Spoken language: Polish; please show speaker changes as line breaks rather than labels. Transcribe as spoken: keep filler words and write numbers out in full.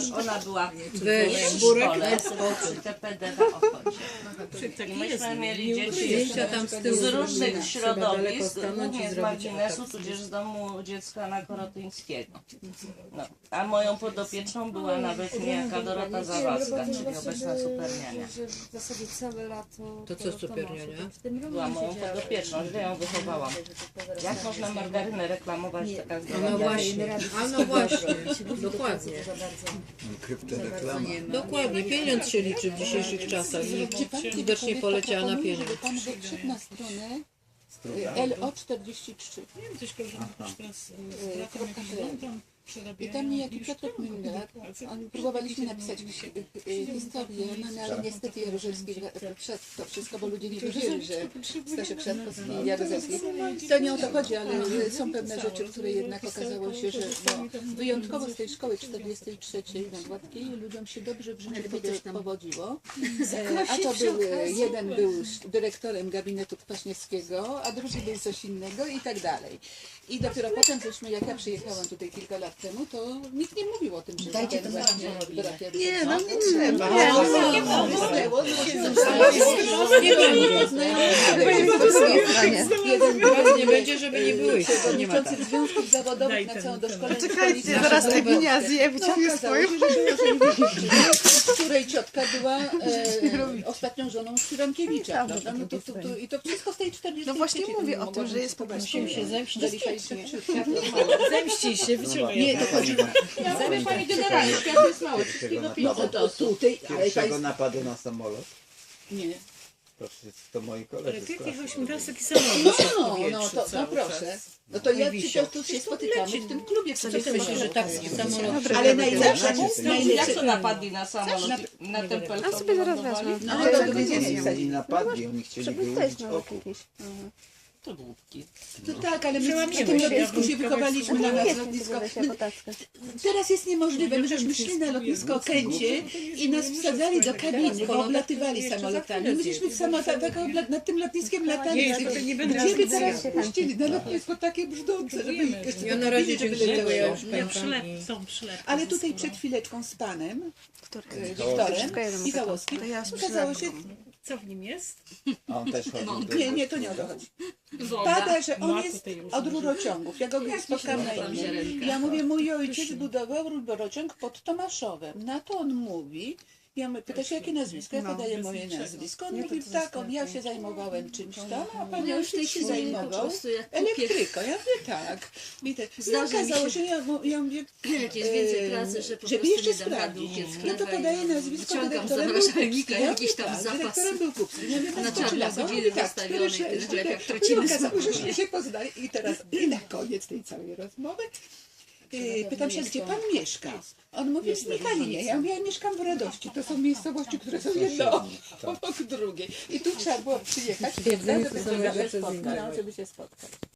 ona była w
Weź
szkole przy T P D w Ochocie. I myśmy mieli dzieci
Zdjęcia tam z tyłu
z różnych
zrobimy.
środowisk,
Trzeba daleko
głównie z
stanąć i
marginesu,
zrobić
tudzież z domu dziecka na Korotyńskiego. No. A moją podopieczną była nawet niejaka Dorota Zawadzka, czyli obecna superniania.
W zasadzie całe lato.
To co superniania?
Była moją podopieczną, źle ją wychowałam. Jak można margarynę reklamować taka
No
zdrowa?
właśnie, a no właśnie, dokładnie.
Krypto reklama.
Dokładnie, pieniądz się liczy w dzisiejszych czasach i widocznie poleciała na pieniądz.
Żeby pan wyszedł na stronę L O czterdzieści trzy.
Nie wiem, coś koleżanka też teraz
E, kropka
tam
I tam niejaki Piotrek Müller, on próbowaliśmy napisać e, historię, no, no ale niestety Jaruzelski wszedł w to wszystko, bo ludzie nie wierzyli, że Staszek Trzaskowski i Jaruzelski. To nie o to chodzi, ale są pewne rzeczy, które jednak okazało się, że no, wyjątkowo z tej szkoły czterdziestej trzeciej na Gładkiej ludziom się dobrze w życiu powodziło. E, a to był, jeden był dyrektorem gabinetu Kwaśniewskiego, a drugi był coś innego i tak dalej. I dopiero potem, żeśmy, jak ja przyjechałam tutaj kilka lat temu, to nikt nie mówił o tym, że
Dajcie
ten
to
właśnie brak
Nie, no nie
trzeba.
Nie będzie, nie będzie, żeby nie było ich. Nie ma tak.
Przewodniczący związków zawodowych na całą doszkolenie.
Czekajcie, zaraz te ginia zje, wyciągnie
No,
swoją.
w której ciotka była e, ostatnią żoną Cyrankiewicza, prawda? No to, to, to, I to wszystko w tej czterdziestej
No właśnie mówię o tym, że jest po prostu...
Musimy się zemścić.
zemści się, wyciągaj.
Nie, to chodzi... Ja mówię pani generalnie, świat jest mały, wszystkiego
No
no to tutaj, ale
Pierwszego
państwo...
napadu na samolot?
Nie.
Proszę, to moi
Ale
koledzy.
ty
z klasy.
jechałeś mi raz taki samolot
No, no, to, no proszę. No to ja przecież tu się spotykamy w tym klubie.
Co ty myślisz, że tak samolot...
Ale najlepsze,
Jak
najlepsze...
to napadli na samolot, na ten pelton?
A sobie zaraz wezmę.
No ale to
Oni
dowiedzieli
nie napadli, oni chcieli wyłudzić oku.
To głupki.
No tak, ale my
Przełamiemy
w tym
się.
lotnisku się wychowaliśmy na nas lotnisko. My, teraz jest niemożliwe, my żeśmy szli na lotnisko Okęcie i nas wsadzali do kabiny, bo oblatywali samolotami. My żeśmy w samolotach tak obla- nad tym lotniskiem latali.
Nie, to nie będę
Gdzie by
raz
teraz puścili na lotnisko takie brzdące, żeby ich jeszcze
Ja na
do
razie
kabiny, żeby
dziękuję, ja
leciało.
już
Ja
pękam
przylep,
i...
są przylepki.
Ale tutaj przed chwileczką z panem, e, Wiktorem Michałowskim, okazało się,
Co w nim jest?
A on też chodził do...
nie, nie, to nie o to chodzi. Pada, że on jest od rurociągów. Ja go spotkałam na imię. Ja mówię, mój ojciec budował rurociąg pod Tomaszowem. Na to on mówi, ja my, pyta się, jakie nazwisko? Ja podaję moje nazwisko. On mówi, tak, on, ja się zajmowałem czymś tam, a pan ojciec się zajmował elektryką. Ja mówię, tak. I, te, I okazało się, ja, ja mówię,
Jak jest więcej pracy, że po
żeby
prostu
jeszcze
nie dam rady
sprawdzić.
uciec z
No to
chleba
podaję
i
nazwisko,
wyciągam
dyrektorem
z
był
zamrażalnika
Kupski. Ja
jakiś
mówię,
tam
tak,
zapas.
dyrektorem był Kupski. Ja mówię,
Na
tak, to
czarno
lata?
chodzili
Mówi, tak,
zastawione
cztery,
i tyle,
cztery.
jak
I
tracimy
okazało się, że się poznali. I teraz, i na koniec tej całej rozmowy, Yy, pytam się, gdzie pan mieszka? On mówi, w Michalinie. Ja mówię, ja mieszkam w Radości. To są miejscowości, które są jedno obok drugiej. I tu trzeba było przyjechać, żeby, żeby, się spotkać. No, żeby się spotkać.